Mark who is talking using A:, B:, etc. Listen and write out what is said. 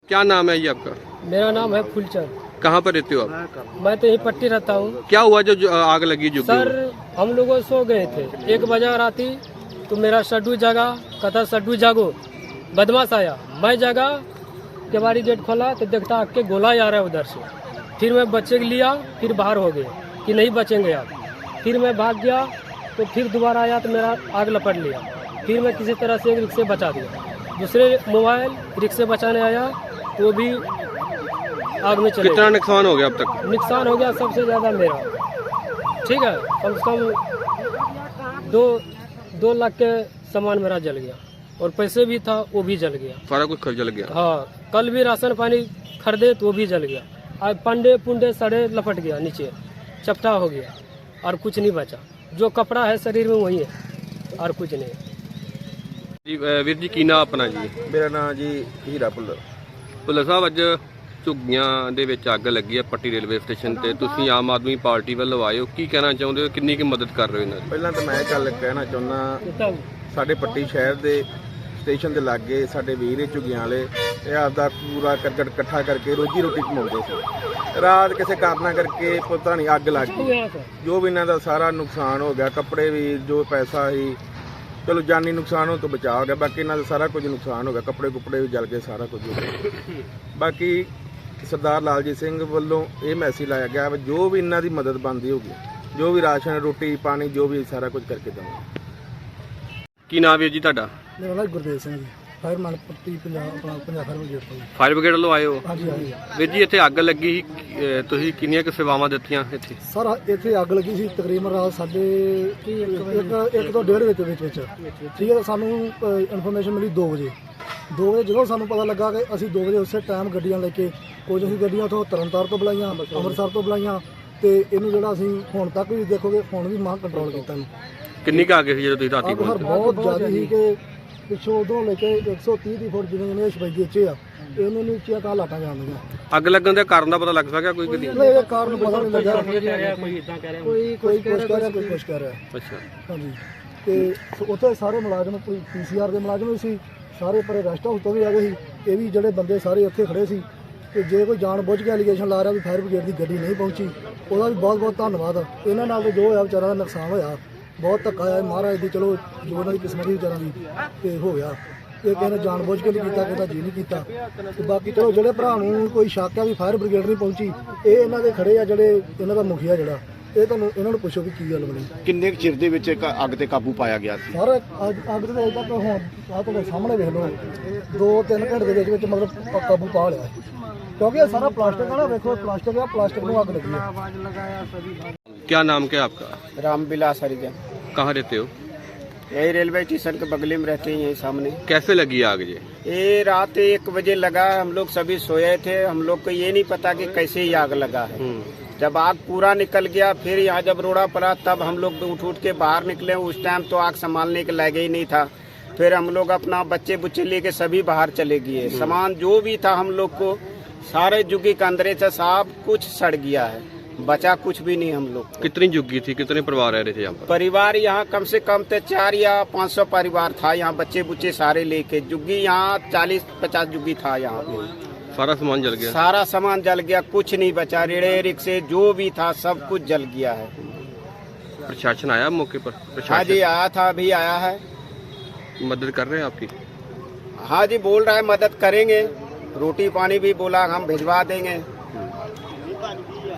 A: क्या नाम है ये आपका?
B: मेरा नाम है फूलचंद।
A: कहाँ पर रहते हो आप?
B: मैं तो यहीं पट्टी रहता हूँ।
A: क्या हुआ जो आग लगी जो?
B: सर हम लोग सो गए थे, 1 बजे राती, तो मेरा सड्डू जागा, कहता सड्डू जागो, बदमाश आया। मैं जागा, केवाड़ी गेट खोला तो देखता आग के गोला आ रहा है उधर से। फिर मैं बच्चे लिया, फिर बाहर हो गए कि नहीं बचेंगे आप। फिर मैं भाग गया तो फिर दोबारा आया तो मेरा आग लपट लिया। फिर मैं किसी तरह से एक रिक्शे बचा दिया। दूसरे मोबाइल रिक्शे बचाने आया तो वो भी आग में चले।
A: कितना नुकसान हो गया अब तक?
B: नुकसान हो गया सबसे ज़्यादा मेरा, ठीक है, कम से कम 2 लाख के सामान मेरा जल गया और पैसे भी था वो भी जल गया।
A: सारा कुछ जल गया?
B: हाँ, कल भी राशन पानी खरीदे तो वो भी जल गया। आज पंडे पुंडे सड़े लपट गया, नीचे चपटा हो गया और कुछ नहीं बचा। जो कपड़ा है शरीर में वही है और कुछ नहीं।
A: ਵੀਰ ਜੀ ਕੀ ਨਾਮ ਆਪਣਾ ਜੀ?
C: ਮੇਰਾ ਨਾਮ ਜੀ ਹੀਰਾ ਭੁੱਲਰ।
A: ਭੁੱਲਰ ਸਾਹਿਬ, ਅੱਜ ਝੁੱਗੀਆਂ ਦੇ ਵਿੱਚ ਅੱਗ ਲੱਗੀ ਹੈ ਪੱਟੀ ਰੇਲਵੇ ਸਟੇਸ਼ਨ ਤੇ, ਤੁਸੀਂ ਆਮ ਆਦਮੀ ਪਾਰਟੀ ਵੱਲੋਂ ਆਏ ਹੋ, ਕੀ ਕਹਿਣਾ ਚਾਹੁੰਦੇ ਹੋ? ਕਿੰਨੀ ਕੁ ਮਦਦ ਕਰ ਰਹੇ ਹੋ ਇਹਨਾਂ ਦੀ?
C: ਪਹਿਲਾਂ ਤਾਂ ਮੈਂ ਗੱਲ ਕਹਿਣਾ ਚਾਹੁੰਦਾ, ਸਾਡੇ ਪੱਟੀ ਸ਼ਹਿਰ ਦੇ ਸਟੇਸ਼ਨ ਦੇ ਲਾਗੇ ਸਾਡੇ ਵੀਰ ਝੁੱਗੀਆਂ ਵਾਲੇ ਇਹ ਆਪਦਾ ਪੂਰਾ ਕਰਕਟ ਇਕੱਠਾ ਕਰਕੇ ਰੋਜੀ ਰੋਟੀ ਕਮਾਉਂਦੇ ਸੀ। ਰਾਤ ਕਿਸੇ ਕਾਰਨਾਂ ਕਰਕੇ ਪਤਾ ਨਹੀਂ ਅੱਗ ਲੱਗ ਗਈ। ਜੋ ਵੀ ਇਹਨਾਂ ਦਾ ਸਾਰਾ ਨੁਕਸਾਨ ਹੋ ਗਿਆ, ਕੱਪੜੇ ਵੀ, ਜੋ ਪੈਸਾ ਸੀ, ਚਲੋ ਜਾਨੀ ਨੁਕਸਾਨ ਹੋਣ ਤੋਂ ਬਚਾ ਹੋ ਗਿਆ, ਬਾਕੀ ਇਹਨਾਂ ਦਾ ਸਾਰਾ ਕੁਝ ਨੁਕਸਾਨ ਹੋ ਗਿਆ। ਕੱਪੜੇ ਕੁੱਪੜੇ ਵੀ ਜਲ ਗਏ, ਸਾਰਾ ਕੁਝ ਹੋ ਗਿਆ। ਬਾਕੀ ਸਰਦਾਰ ਲਾਲਜੀਤ ਸਿੰਘ ਵੱਲੋਂ ਇਹ ਮੈਸੇਜ ਲਾਇਆ ਗਿਆ ਵੀ ਜੋ ਵੀ ਇਹਨਾਂ ਦੀ ਮਦਦ ਬਣਦੀ ਹੋਊਗੀ, ਜੋ ਵੀ ਰਾਸ਼ਨ ਰੋਟੀ ਪਾਣੀ ਜੋ ਵੀ ਸਾਰਾ ਕੁਝ ਕਰਕੇ ਦੇਵਾਂਗੇ।
A: ਕੀ ਨਾਮ ਹੈ ਜੀ ਤੁਹਾਡਾ?
D: ਮੇਰਾ ਨਾਮ Gurdev Singh ji, fireman Patti Punjab fire brigade ਤੋਂ ਜੀ।
A: ਫਾਇਰ ਬ੍ਰਿਗੇਡ ਵੱਲੋਂ ਆਏ ਹੋ?
D: ਹਾਂਜੀ ਹਾਂਜੀ
A: ਵੀਰ ਜੀ, ਇੱਥੇ ਅੱਗ ਲੱਗੀ ਸੀ, ਤੁਸੀਂ ਕਿੰਨੀਆਂ ਕੁ ਸੇਵਾਵਾਂ ਦਿੱਤੀਆਂ ਇੱਥੇ?
D: ਸਰ ਇੱਥੇ ਅੱਗ ਲੱਗੀ ਸੀ ਤਕਰੀਬਨ ਰਾਤ ਸਾਡੇ 1 ਤੋਂ 1:30 ਵਿੱਚ ਠੀਕ ਹੈ। ਸਾਨੂੰ ਇਨਫੋਰਮੇਸ਼ਨ ਮਿਲੀ 2 ਵਜੇ। ਜਦੋਂ ਸਾਨੂੰ ਪਤਾ ਲੱਗਾ ਕਿ ਅਸੀਂ 2 ਵਜੇ ਉਸੇ ਟਾਈਮ ਗੱਡੀਆਂ ਲੈ ਕੇ, ਕੁਝ ਅਸੀਂ ਗੱਡੀਆਂ ਉੱਥੋਂ ਤਰਨਤਾਰਨ ਤੋਂ ਬੁਲਾਈਆਂ, ਅੰਮ੍ਰਿਤਸਰ ਤੋਂ ਬੁਲਾਈਆਂ, ਤੇ ਇਹਨੂੰ ਜਿਹੜਾ ਅਸੀਂ ਹੁਣ ਤੱਕ ਵੀ ਦੇਖੋਗੇ ਹੁਣ ਵੀ ਮਾਂ ਕੰਟਰੋਲ ਕੀਤਾ ਇਹਨੂੰ।
A: ਕਿੰਨੀ ਕੁ ਅੱਗ ਸੀ ਜਦੋਂ ਤੁਸੀਂ ਰਾਤੀ
D: ਅੱਗ ਸਰ ਬਹੁਤ ਜ਼ਿਆਦਾ ਸੀ ਕਿ ਪਿੱਛੋਂ ਉਧਰੋਂ ਲੈ ਕੇ 130 ਦੀ ਫੁੱਟ ਜਿਵੇਂ ਸ਼ਬੈਦੀ ਇੱਥੇ ਆ, ਇਹਨੂੰ ਨਹੀਂ ਉੱਚੀਆਂ ਤਾਂ ਲਾਟਾਂ ਜਾਂਦੀਆਂ।
A: ਅੱਗ ਲੱਗਣ ਦੇ ਕਾਰਨ ਦਾ ਪਤਾ ਲੱਗ ਸਕਿਆ ਕੋਈ? ਕਦੀ
D: ਇਹ ਕਾਰਨ ਪਤਾ ਨਹੀਂ ਲੱਗਾ, ਕੋਈ ਇਦਾਂ ਕਹਿ ਰਿਹਾ, ਕੋਈ ਕੁਛ ਕਹਿ ਰਿਹਾ, ਕੋਈ ਕੁਛ ਕਹਿ ਰਿਹਾ।
A: ਅੱਛਾ,
D: ਹਾਂਜੀ, ਤੇ ਉੱਥੇ ਸਾਰੇ ਮੁਲਾਜ਼ਮ, ਕੋਈ PCR ਦੇ ਮੁਲਾਜ਼ਮ ਵੀ ਸੀ, ਸਾਰੇ ਪਰੇ ਰੈਸਟ ਹਾਊਸ ਤੋਂ ਵੀ ਆ ਗਏ ਸੀ। ਇਹ ਵੀ ਜਿਹੜੇ ਬੰਦੇ ਸਾਰੇ ਉੱਥੇ ਖੜੇ ਸੀ। ਤੇ ਜੇ ਕੋਈ ਜਾਣ ਬੁੱਝ ਕੇ ਐਲੀਗੇਸ਼ਨ ਲਾ ਰਿਹਾ ਵੀ ਫਾਇਰ ਬ੍ਰਿਗੇਡ ਦੀ ਗੱਡੀ ਨਹੀਂ ਪਹੁੰਚੀ, ਉਹਦਾ ਵੀ ਬਹੁਤ ਬਹੁਤ ਧੰਨਵਾਦ। ਇਹਨਾਂ ਨਾਲ ਜੋ ਹੋਇਆ ਵਿਚਾਰਾਂ ਦਾ ਨੁਕਸਾਨ ਹੋਇਆ, ਬਹੁਤ ਧੱਕਾ ਆਇਆ ਮਹਾਰਾਜ ਦੀ, ਚਲੋ ਜੋ ਉਹਨਾਂ ਦੀ ਕਿਸਮਤ ਦੀ ਵਿਚਾਰਾਂ ਦੀ ਤੇ ਹੋ ਗਿਆ। ਇਹ ਕਿਸੇ ਨੇ ਜਾਣ ਬੁੱਝ ਕੇ ਨਹੀਂ ਕੀਤਾ, ਕਿਸੇ ਦਾ ਜੀ ਨਹੀਂ ਕੀਤਾ। ਤੇ ਬਾਕੀ ਚਲੋ ਜਿਹੜੇ ਭਰਾ ਨੂੰ ਕੋਈ ਸ਼ੱਕ ਆ ਵੀ ਫਾਇਰ ਬ੍ਰਿਗੇਡ ਨਹੀਂ ਪਹੁੰਚੀ, ਇਹ ਇਹਨਾਂ ਦੇ ਖੜੇ ਆ, ਜਿਹੜੇ ਇਹਨਾਂ ਦਾ ਮੁਖੀਆ ਜਿਹੜਾ, ਇਹ ਤੁਹਾਨੂੰ ਇਹਨਾਂ ਨੂੰ ਪੁੱਛੋ ਵੀ ਕੀ ਗੱਲ ਬਣੀ।
C: ਕਿੰਨੇ ਚਿਰ ਦੇ ਵਿੱਚ ਅੱਗ ਤੇ ਕਾਬੂ ਪਾਇਆ ਗਿਆ ਸੀ?
D: ਸਰ ਅੱਗ ਦੇ ਅਜੇ ਤੱਕ ਹੁਣ ਆਹ ਤੁਹਾਡੇ ਸਾਹਮਣੇ ਵੇਖ ਲਓ, 2-3 ਘੰਟੇ ਦੇ ਵਿੱਚ ਮਤਲਬ ਕਾਬੂ ਪਾ ਲਿਆ, ਕਿਉਂਕਿ ਇਹ ਸਾਰਾ ਪਲਾਸਟਿਕ ਆ ਨਾ, ਵੇਖੋ ਪਲਾਸਟਿਕ ਆ, ਪਲਾਸਟਿਕ ਨੂੰ ਅੱਗ ਲੱਗੀ ਹੈ।
A: क्या नाम क्या आपका?
E: रामविलास हरिजन।
A: कहाँ रहते हो?
E: यही रेलवे स्टेशन के बगल में रहते हैं, यही सामने।
A: कैसे लगी आग ये?
E: ये रात 1 बजे लगा, हम लोग सभी सोए थे, हम लोग को ये नहीं पता कि कैसे ही आग लगा है। जब आग पूरा निकल गया, फिर यहाँ जब रोड़ा पड़ा तब हम लोग उठ के बाहर निकले। उस टाइम तो आग संभालने के लायक ही नहीं था। फिर हम लोग अपना बच्चे बुच्चे लेके सभी बाहर चले गए। सामान जो भी था हम लोग को सारे जुग्गी के अंदर से सब कुछ सड़ गया है, बचा कुछ भी नहीं हम लोग।
A: कितनी झुग्गी थी, कितने परिवार रह रहे थे यहाँ पर?
E: परिवार यहाँ कम से कम तो 400 या 500 परिवार था यहाँ, बच्चे बुच्चे सारे लेके। जुग्गी यहाँ 40-50 जुग्गी था यहाँ पे।
A: सारा सामान जल गया?
E: सारा सामान जल गया, कुछ नहीं बचा। रेड़े रिक्शे जो भी था सब कुछ जल गया है।
A: प्रशासन आया मौके पर?
E: हाँ जी आया था, अभी आया है।
A: मदद कर रहे हैं आपकी?
E: हाँ जी बोल रहा है मदद करेंगे, रोटी पानी भी बोला हम भिजवा देंगे।